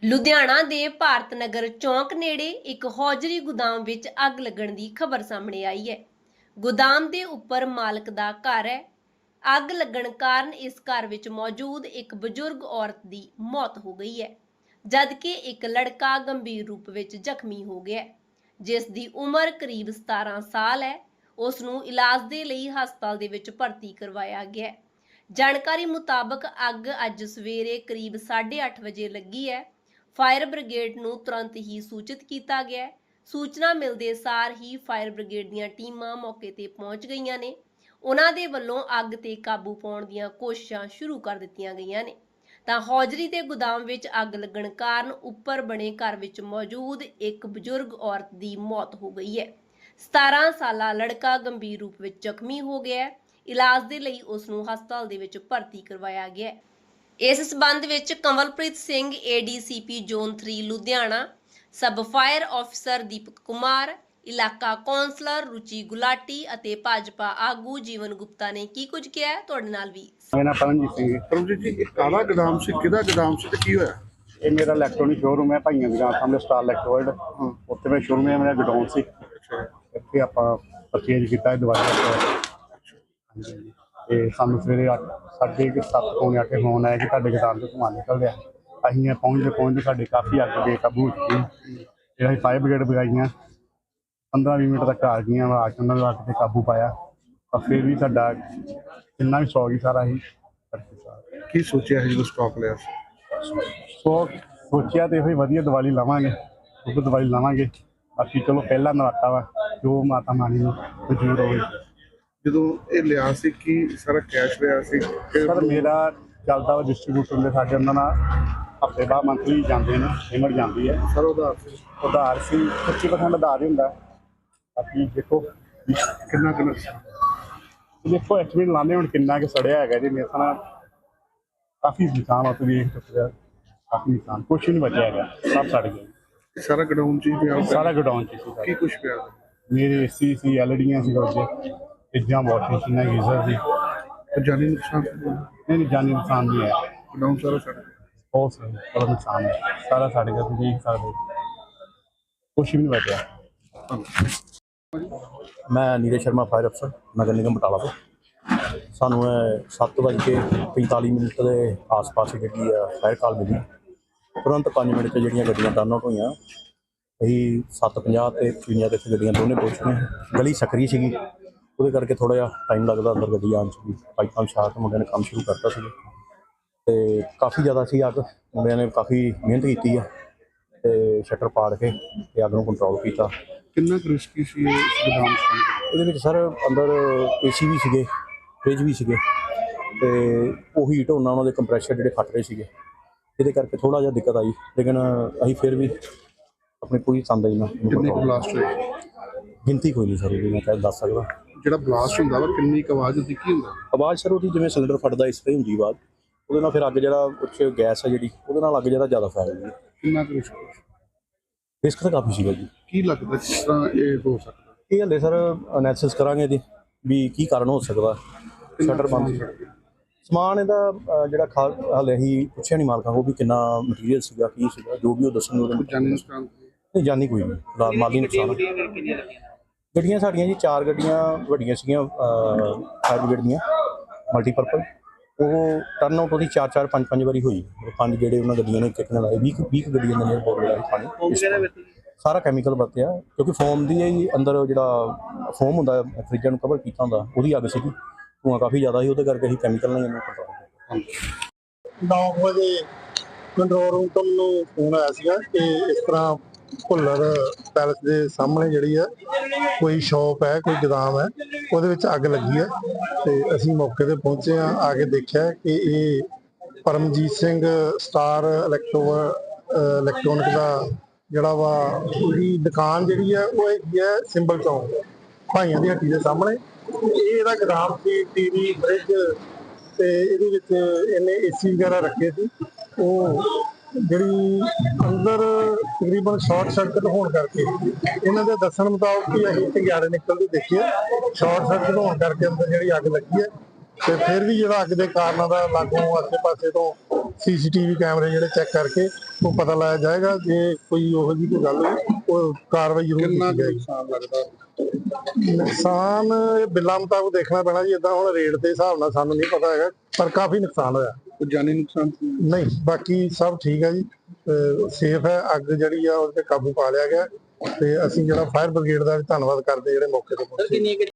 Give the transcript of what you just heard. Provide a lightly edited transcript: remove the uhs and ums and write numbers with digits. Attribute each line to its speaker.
Speaker 1: ਲੁਧਿਆਣਾ ਦੇ ਭਾਰਤ ਨਗਰ ਚੌਂਕ ਨੇੜੇ ਇੱਕ ਹੌਜ਼ਰੀ ਗੋਦਾਮ ਵਿੱਚ ਅੱਗ ਲੱਗਣ ਦੀ ਖਬਰ ਸਾਹਮਣੇ ਆਈ ਹੈ। ਗੋਦਾਮ ਦੇ ਉੱਪਰ ਮਾਲਕ ਦਾ ਘਰ ਹੈ। ਅੱਗ ਲੱਗਣ ਕਾਰਨ ਇਸ ਘਰ ਵਿੱਚ ਮੌਜੂਦ ਇੱਕ ਬਜ਼ੁਰਗ ਔਰਤ ਦੀ ਮੌਤ ਹੋ ਗਈ ਹੈ, ਜਦਕਿ ਇੱਕ ਲੜਕਾ ਗੰਭੀਰ ਰੂਪ ਵਿੱਚ ਜ਼ਖਮੀ ਹੋ ਗਿਆ ਹੈ, ਜਿਸ ਦੀ ਉਮਰ ਕਰੀਬ 17 ਸਾਲ ਹੈ। ਉਸ ਨੂੰ ਇਲਾਜ ਦੇ ਲਈ ਹਸਪਤਾਲ ਦੇ ਵਿੱਚ ਭਰਤੀ ਕਰਵਾਇਆ ਗਿਆ ਹੈ। ਜਾਣਕਾਰੀ ਮੁਤਾਬਕ ਅੱਗ ਅੱਜ ਸਵੇਰੇ ਕਰੀਬ 8:30 ਵਜੇ ਲੱਗੀ ਹੈ। ਫਾਇਰ ਬ੍ਰਿਗੇਡ ਨੂੰ ਤੁਰੰਤ ਹੀ ਸੂਚਿਤ ਕੀਤਾ ਗਿਆ ਹੈ। ਸੂਚਨਾ ਮਿਲਦੇ ਸਾਰ ਹੀ ਫਾਇਰ ਬ੍ਰਿਗੇਡ ਦੀਆਂ ਟੀਮਾਂ ਮੌਕੇ ਤੇ ਪਹੁੰਚ ਗਈਆਂ ਨੇ। ਉਹਨਾਂ ਦੇ ਵੱਲੋਂ ਅੱਗ ਤੇ ਕਾਬੂ ਪਾਉਣ ਦੀਆਂ ਕੋਸ਼ਿਸ਼ਾਂ ਸ਼ੁਰੂ ਕਰ ਦਿੱਤੀਆਂ ਗਈਆਂ ਨੇ। ਤਾਂ ਹੌਜ਼ਰੀ ਦੇ ਗੋਦਾਮ ਵਿੱਚ ਅੱਗ ਲੱਗਣ ਕਾਰਨ ਉੱਪਰ ਬਣੇ ਘਰ ਵਿੱਚ ਮੌਜੂਦ ਇੱਕ ਬਜ਼ੁਰਗ ਔਰਤ ਦੀ ਮੌਤ ਹੋ ਗਈ ਹੈ। 17 ਸਾਲਾ ਲੜਕਾ ਗੰਭੀਰ ਰੂਪ ਵਿੱਚ ਜ਼ਖਮੀ ਹੋ ਗਿਆ ਹੈ। ਇਲਾਜ ਦੇ ਲਈ ਉਸ ਨੂੰ ਹਸਪਤਾਲ ਦੇ ਵਿੱਚ ਭਰਤੀ ਕਰਵਾਇਆ ਗਿਆ ਹੈ। ਇਸ ਸਬੰਧ ਵਿੱਚ Kanwalpreet Singh ADCP zone 3 Ludhiana, sub fire officer Deepak Kumar, ਇਲਾਕਾ ਕੌਂਸਲਰ ਰੁਚੀ ਗੁਲਾਟੀ ਅਤੇ ਭਾਜਪਾ ਆਗੂ ਜੀਵਨ ਗੁਪਤਾ ਨੇ ਕੀ ਕੁਝ ਕਿਹਾ ਹੈ ਤੁਹਾਡੇ ਨਾਲ ਵੀ।
Speaker 2: ਮੇਰਾ ਪਰਮਜੀਤ ਸਿੰਘ। ਪਰਮਜੀਤ ਜੀ, ਇਹ ਕਾਹਦਾ ਗੋਦਾਮ ਸੀ, ਕਿਹਦਾ ਗੋਦਾਮ ਸੀ ਤੇ ਕੀ ਹੋਇਆ?
Speaker 3: ਇਹ ਮੇਰਾ ਇਲੈਕਟ੍ਰੋਨਿਕ ਸ਼ੋਰੂਮ ਹੈ ਭਾਈਆਂ ਦੀ ਗਾਂ ਸਾਹਮਣੇ ਸਟਾਰ ਇਲੈਕਟ੍ਰੋਇਡ। ਉੱਥੇ ਮੈਂ ਸ਼ੋਰੂਮ ਹੈ, ਮੇਰਾ ਗੋਡਾਊਨ ਸੀ। ਇੱਥੇ ਆਪਾਂ ਪਰਚੇਜ ਕੀਤਾ ਦਵਾਈ। ਤੇ ਸਾਨੂੰ ਸਵੇਰੇ 7:30 ਪੌਣੇ 8 ਫੋਨ ਆਇਆ ਕਿ ਤੁਹਾਡੇ ਗੋਦਾਮ ਤੋਂ ਧੂੰਆਂ ਨਿਕਲ ਰਿਹਾ। ਅਸੀਂ ਪਹੁੰਚਦੇ ਸਾਡੇ ਕਾਫੀ ਅੱਗ ਬੇਕਾਬੂ ਹੋ ਚੁੱਕੀ। ਫਿਰ ਅਸੀਂ ਫਾਇਰ ਬ੍ਰਿਗੇਡ ਬੁਲਾਈਆਂ, 15-20 ਮਿੰਟ ਤੱਕ ਆ ਗਈਆਂ। ਆ ਕੇ ਉਹਨਾਂ ਨੇ ਅੱਗ ਤੇ ਕਾਬੂ ਪਾਇਆ। ਤਾਂ ਫਿਰ ਵੀ ਸਾਡਾ ਕਿੰਨਾ ਵੀ ਸੌ ਗਈ ਸਾਰਾ ਹੀ।
Speaker 2: ਕੀ ਸੋਚਿਆ ਸੀ ਜਦੋਂ ਸਟਾਕ ਲਿਆ?
Speaker 3: ਸੋਚਿਆ ਤੇ ਇਹੋ ਵਧੀਆ ਦੀਵਾਲੀ ਲਾਵਾਂਗੇ, ਉਹ ਦੀਵਾਲੀ ਲਾਵਾਂਗੇ। ਬਾਕੀ ਚਲੋ ਪਹਿਲਾ ਨਰਾਤਾ ਵਾ, ਜੋ ਮਾਤਾ ਮਾਨੀ ਨੂੰ ਮਨਜ਼ੂਰ ਹੋਵੇ।
Speaker 2: ਜਦੋਂ ਇਹ ਲਿਆ ਸੀ ਕੀ ਸਾਰਾ ਕੈਸ਼ ਲਿਆ ਸੀ?
Speaker 3: ਸਰ ਮੇਰਾ ਚੱਲਦਾ ਵਾ ਡਿਸਟਰੀਬਿਊਟਰ ਦੇ ਸਾਡੇ, ਉਹਨਾਂ ਨਾਲ ਹਫ਼ਤੇ ਬਾਅਦ ਮੰਥਲੀ ਜਾਂਦੇ ਨੇ, ਪੇਮੈਂਟ ਜਾਂਦੀ ਹੈ।
Speaker 2: ਸਰ ਉਧਾਰ
Speaker 3: ਸੀ 25% ਉਧਾਰ ਹੀ ਹੁੰਦਾ। ਬਾਕੀ ਦੇਖੋ
Speaker 2: ਕਿੰਨਾ
Speaker 3: ਦੇਖੋ ਐਸਟੀਮੇਟ ਲਾਉਂਦੇ ਹੁਣ ਕਿੰਨਾ ਕਿ ਸੜਿਆ ਹੈਗਾ ਜੀ। ਮੇਰੇ ਨਾਲ ਕਾਫੀ ਨੁਕਸਾਨ ਉੱਥੇ ਵੇਖ ਚੁੱਕਿਆ, ਕਾਫੀ ਨੁਕਸਾਨ, ਕੁਛ ਨਹੀਂ ਬਚਿਆ ਹੈਗਾ, ਸਭ ਸੜ ਗਿਆ।
Speaker 2: ਸਾਰਾ ਗੋਡਾਊਨ ਚ ਪਿਆ?
Speaker 3: ਸਾਰਾ ਗੋਡਾਊਨ ਚ ਸੀ।
Speaker 2: ਕੀ ਕੁਛ ਪਿਆ?
Speaker 3: ਮੇਰੇ AC ਸੀ, LEDਆਂ ਸੀ, ਉਹਦੇ ਫਰਿੱਜਾਂ, ਵਾਸ਼ਿੰਗ ਮਸ਼ੀਨਾਂ, ਗੀਜ਼ਰ ਸੀ।
Speaker 2: ਜਾਨੀ ਨੁਕਸਾਨ?
Speaker 3: ਨਹੀਂ, ਜਾਨੀ ਨੁਕਸਾਨ ਨਹੀਂ ਹੈ।
Speaker 2: ਗੋਡਾਊਨ ਸਾਰਾ ਸੜ ਗਿਆ?
Speaker 3: ਬਹੁਤ ਬੜਾ ਨੁਕਸਾਨ ਹੈ, ਸਾਰਾ ਸੜ ਗਿਆ। ਤੁਸੀਂ ਦੇਖ ਸਕਦੇ, ਕੁਛ ਵੀ ਨਹੀਂ ਬਚਿਆ।
Speaker 4: ਮੈਂ ਨੀਰਜ ਸ਼ਰਮਾ, ਫਾਇਰ ਅਫਸਰ, ਨਗਰ ਨਿਗਮ ਬਟਾਲਾ ਤੋਂ। ਸਾਨੂੰ 7:45 ਦੇ ਆਸ-ਪਾਸ ਜਿਹੜੀ ਆ ਫਾਇਰ ਕਾਲ ਮਿਲੀ। ਤੁਰੰਤ 5 ਮਿੰਟ 'ਚ ਜਿਹੜੀਆਂ ਗੱਡੀਆਂ ਟਰਨ ਆਊਟ ਹੋਈਆਂ। ਅਸੀਂ 7:50 ਤੇ 55 ਤੇ ਇੱਥੇ ਗੱਡੀਆਂ ਦੋਨੇ ਪਹੁੰਚ ਗਈਆਂ। ਗਲੀ ਸਕਰੀ ਸੀਗੀ, ਉਹਦੇ ਕਰਕੇ ਥੋੜ੍ਹਾ ਜਿਹਾ ਟਾਈਮ ਲੱਗਦਾ ਅੰਦਰ ਗੱਡੀ ਆਉਣ 'ਚ ਵੀ। ਪਾਈਪਾਂ ਵਿਛਾ ਕੇ ਮੁੰਡਿਆਂ ਨੇ ਕੰਮ ਸ਼ੁਰੂ ਕਰਤਾ ਸੀ ਅਤੇ ਕਾਫੀ ਜ਼ਿਆਦਾ ਸੀ ਅੱਗ। ਮੁੰਡਿਆਂ ਨੇ ਕਾਫੀ ਮਿਹਨਤ ਕੀਤੀ ਆ ਅਤੇ ਸ਼ਟਰ ਪਾੜ ਕੇ ਅਤੇ ਅੱਗ ਨੂੰ ਕੰਟਰੋਲ ਕੀਤਾ।
Speaker 2: ਕਿੰਨਾ ਕੁ ਰਿਸਕੀ ਸੀ ਇਹ ਗੋਦਾਮ?
Speaker 4: ਇਹਦੇ ਵਿੱਚ ਸਰ ਅੰਦਰ AC ਵੀ ਸੀਗੇ, ਫਰਿੱਜ ਵੀ ਸੀਗੇ, ਅਤੇ ਉਹ ਹੀਟ ਹੋਣਾ ਉਹਨਾਂ ਦੇ ਕੰਪਰੈਸ਼ਰ ਜਿਹੜੇ ਫਟ ਰਹੇ ਸੀਗੇ, ਇਹਦੇ ਕਰਕੇ ਥੋੜ੍ਹਾ ਜਿਹਾ ਦਿੱਕਤ ਆਈ। ਲੇਕਿਨ ਅਸੀਂ ਫਿਰ ਵੀ ਆਪਣੀ ਪੂਰੀ ਤੰਦਾਈ ਨਾਲ।
Speaker 2: ਕਿੰਨੇ ਕੁ ਬਲਾਸਟ ਹੋਏ?
Speaker 4: ਗਿਣਤੀ ਕੋਈ ਨਹੀਂ ਸਰ ਉਹਦੀ, ਮੈਂ ਕਹਿ ਦੱਸ ਸਕਦਾ।
Speaker 2: ਜਿਹੜਾ ਬਲਾਸਟ ਹੁੰਦਾ ਵਾ ਕਿੰਨੀ ਕੁ ਆਵਾਜ਼ ਹੁੰਦੀ, ਕੀ ਹੁੰਦਾ?
Speaker 4: ਆਵਾਜ਼ ਸਰ ਉਹਦੀ ਜਿਵੇਂ ਸਿਲੰਡਰ ਫਟਦਾ ਇਸ ਤਰ੍ਹਾਂ ਹੁੰਦੀ ਆਵਾਜ਼। ਉਹਦੇ ਨਾਲ ਫਿਰ ਅੱਗ ਜਿਹੜਾ ਉੱਚ ਗੈਸ ਹੈ ਜਿਹੜੀ, ਉਹਦੇ ਨਾਲ ਅੱਗ ਜਿਹੜਾ ਜ਼ਿਆਦਾ ਫੈਲਦੀ ਹੈ।
Speaker 2: ਕਿੰਨਾ ਕੁ
Speaker 4: ਰਿਸਕ ਤਾਂ ਕਾਫੀ ਸੀਗਾ ਜੀ।
Speaker 2: ਕੀ ਲੱਗਦਾ ਕਿਸ ਤਰ੍ਹਾਂ ਇਹ ਹੋ ਸਕਦਾ?
Speaker 4: ਇਹ ਹਲੇ ਸਰ ਅਨੈਲਿਸਿਸ ਕਰਾਂਗੇ ਇਹਦੀ ਵੀ ਕੀ ਕਾਰਨ ਹੋ ਸਕਦਾ। ਸ਼ਟਰ ਬੰਦ ਸਮਾਨ ਇਹਦਾ ਜਿਹੜਾ ਹਾਲੇ ਅਸੀਂ ਪੁੱਛਿਆ ਨਹੀਂ ਮਾਲਕਾਂ ਕੋਲ ਵੀ ਕਿੰਨਾ ਮਟੀਰੀਅਲ ਸੀਗਾ, ਕੀ ਸੀਗਾ, ਜੋ ਵੀ ਉਹ ਦੱਸਣਗੇ।
Speaker 2: ਜਾਨੀ ਨੁਕਸਾਨ?
Speaker 4: ਨਹੀਂ, ਜਾਨੀ ਕੋਈ ਨਹੀਂ, ਫਿਲਹਾਲ ਮਾਲੀ ਨੁਕਸਾਨ। ਗੱਡੀਆਂ ਸਾਡੀਆਂ ਜੀ 4 ਗੱਡੀਆਂ ਵੱਡੀਆਂ ਸੀਗੀਆਂ ਫਾਇਰ ਬ੍ਰਿਗੇਡ ਦੀਆਂ ਮਲਟੀਪਰਪਲ। ਉਹ ਟਰਨ ਆਊਟ ਉਹਦੀ 4-4, 5-5 ਵਾਰੀ ਹੋਈ। 5 ਜਿਹੜੇ ਉਹਨਾਂ ਗੱਡੀਆਂ ਨੇ ਇੱਕ ਨਾਲ ਲਾਏ, 20 ਗੱਡੀਆਂ ਨੇ ਬਹੁਤ ਜ਼ਿਆਦਾ ਪਾਣੀ ਸਾਰਾ ਕੈਮੀਕਲ ਵਰਤਿਆ, ਕਿਉਂਕਿ ਫੋਮ ਦੀ ਹੀ ਅੰਦਰ ਜਿਹੜਾ ਫੋਮ ਹੁੰਦਾ ਫਰਿੱਜਾਂ ਨੂੰ ਕਵਰ ਕੀਤਾ ਹੁੰਦਾ, ਉਹਦੀ ਅੱਗ ਸੀਗੀ। ਧੂੰਆਂ ਕਾਫੀ ਜ਼ਿਆਦਾ ਸੀ, ਉਹਦੇ ਕਰਕੇ ਅਸੀਂ ਕੈਮੀਕਲ ਨਾਲ ਇਹਨੂੰ ਕੰਟਰੋਲ ਕੀਤਾ।
Speaker 5: 9 ਵਜੇ ਕੰਟਰੋਲ ਰੂਮ ਤੋਂ ਮੈਨੂੰ ਫੋਨ ਆਇਆ ਸੀਗਾ ਕਿ ਇਸ ਤਰ੍ਹਾਂ ਭੁੱਲਰ ਪੈਲਸ ਦੇ ਸਾਹਮਣੇ ਜਿਹੜੀ ਹੈ ਕੋਈ ਸ਼ੌਪ ਹੈ, ਕੋਈ ਗੋਦਾਮ ਹੈ, ਉਹਦੇ ਵਿੱਚ ਅੱਗ ਲੱਗੀ ਹੈ। ਤੇ ਅਸੀਂ ਮੌਕੇ ਤੇ ਪਹੁੰਚੇ ਹਾਂ। ਆ ਕੇ ਦੇਖਿਆ ਕਿ ਇਹ ਪਰਮਜੀਤ ਸਿੰਘ ਸਟਾਰ ਇਲੈਕਟ੍ਰੋਨਿਕ ਦਾ ਜਿਹੜਾ ਵਾ ਉਹਦੀ ਦੁਕਾਨ ਜਿਹੜੀ ਹੈ ਉਹ ਹੈਗੀ ਹੈ ਸਿੰਬਲ ਚੌਂਕ ਭਾਈਆਂ ਦੀ ਹੱਟੀ ਦੇ ਸਾਹਮਣੇ। ਇਹ ਇਹਦਾ ਗੋਦਾਮ ਸੀ, TV, ਫਰਿੱਜ, ਤੇ ਇਹਦੇ ਵਿੱਚ ਇਹਨੇ AC ਵਗੈਰਾ ਰੱਖੇ ਸੀ। ਉਹ ਜਿਹੜੀ ਅੰਦਰ ਤਕਰੀਬਨ ਸ਼ਾਰਟ ਸਰਕਟ ਹੋਣ ਕਰਕੇ, ਇਹਨਾਂ ਦੇ ਦੱਸਣ ਮੁਤਾਬਕ ਕਿ ਅਸੀਂ ਚੰਗਿਆੜੇ ਨਿਕਲਦੇ ਦੇਖਿਆ, ਸ਼ਾਰਟ ਸਰਕਟ ਹੋਣ ਕਰਕੇ ਅੰਦਰ ਜਿਹੜੀ ਅੱਗ ਲੱਗੀ ਹੈ। ਤੇ ਫਿਰ ਵੀ ਜਿਹੜਾ ਅੱਗ ਦੇ ਕਾਰਨਾਂ ਦਾ ਲਾਗੋਂ ਆਸੇ-ਪਾਸੇ ਤੋਂ CCTV ਕੈਮਰੇ ਜਿਹੜੇ ਚੈੱਕ ਕਰਕੇ ਉਹ ਪਤਾ ਲਾਇਆ ਜਾਏਗਾ। ਜੇ ਕੋਈ ਉਹੋ ਜਿਹੀ ਕੋਈ ਗੱਲ ਹੋਈ ਉਹ ਕਾਰਵਾਈ ਜ਼ਰੂਰ
Speaker 2: ਕਿੰਨਾ
Speaker 5: ਕੀਤੀ
Speaker 2: ਕੁ
Speaker 5: ਜਾਏਗੀ।
Speaker 2: ਨੁਕਸਾਨ ਲੱਗਦਾ?
Speaker 5: ਨੁਕਸਾਨ ਇਹ ਬਿੱਲਾਂ ਮੁਤਾਬਕ ਦੇਖਣਾ ਪੈਣਾ ਜੀ, ਇਦਾਂ ਹੁਣ ਰੇਟ ਦੇ ਹਿਸਾਬ ਨਾਲ ਸਾਨੂੰ ਨਹੀਂ ਪਤਾ ਹੈਗਾ, ਪਰ ਕਾਫੀ ਨੁਕਸਾਨ ਹੋਇਆ।
Speaker 2: ਕੋਈ ਜਾਨੀ ਨੁਕਸਾਨ?
Speaker 5: ਨਹੀਂ, ਬਾਕੀ ਸਭ ਠੀਕ ਹੈ ਜੀ, ਸੇਫ ਹੈ। ਅੱਗ ਜਿਹੜੀ ਆ ਉਹ ਤੇ ਕਾਬੂ ਪਾ ਲਿਆ ਗਿਆ ਤੇ ਅਸੀਂ ਜਿਹੜਾ ਫਾਇਰ ਬ੍ਰਿਗੇਡ ਦਾ ਵੀ ਧੰਨਵਾਦ ਕਰਦੇ ਜਿਹੜੇ ਮੌਕੇ ਤੇ ਪਹੁੰਚੇ।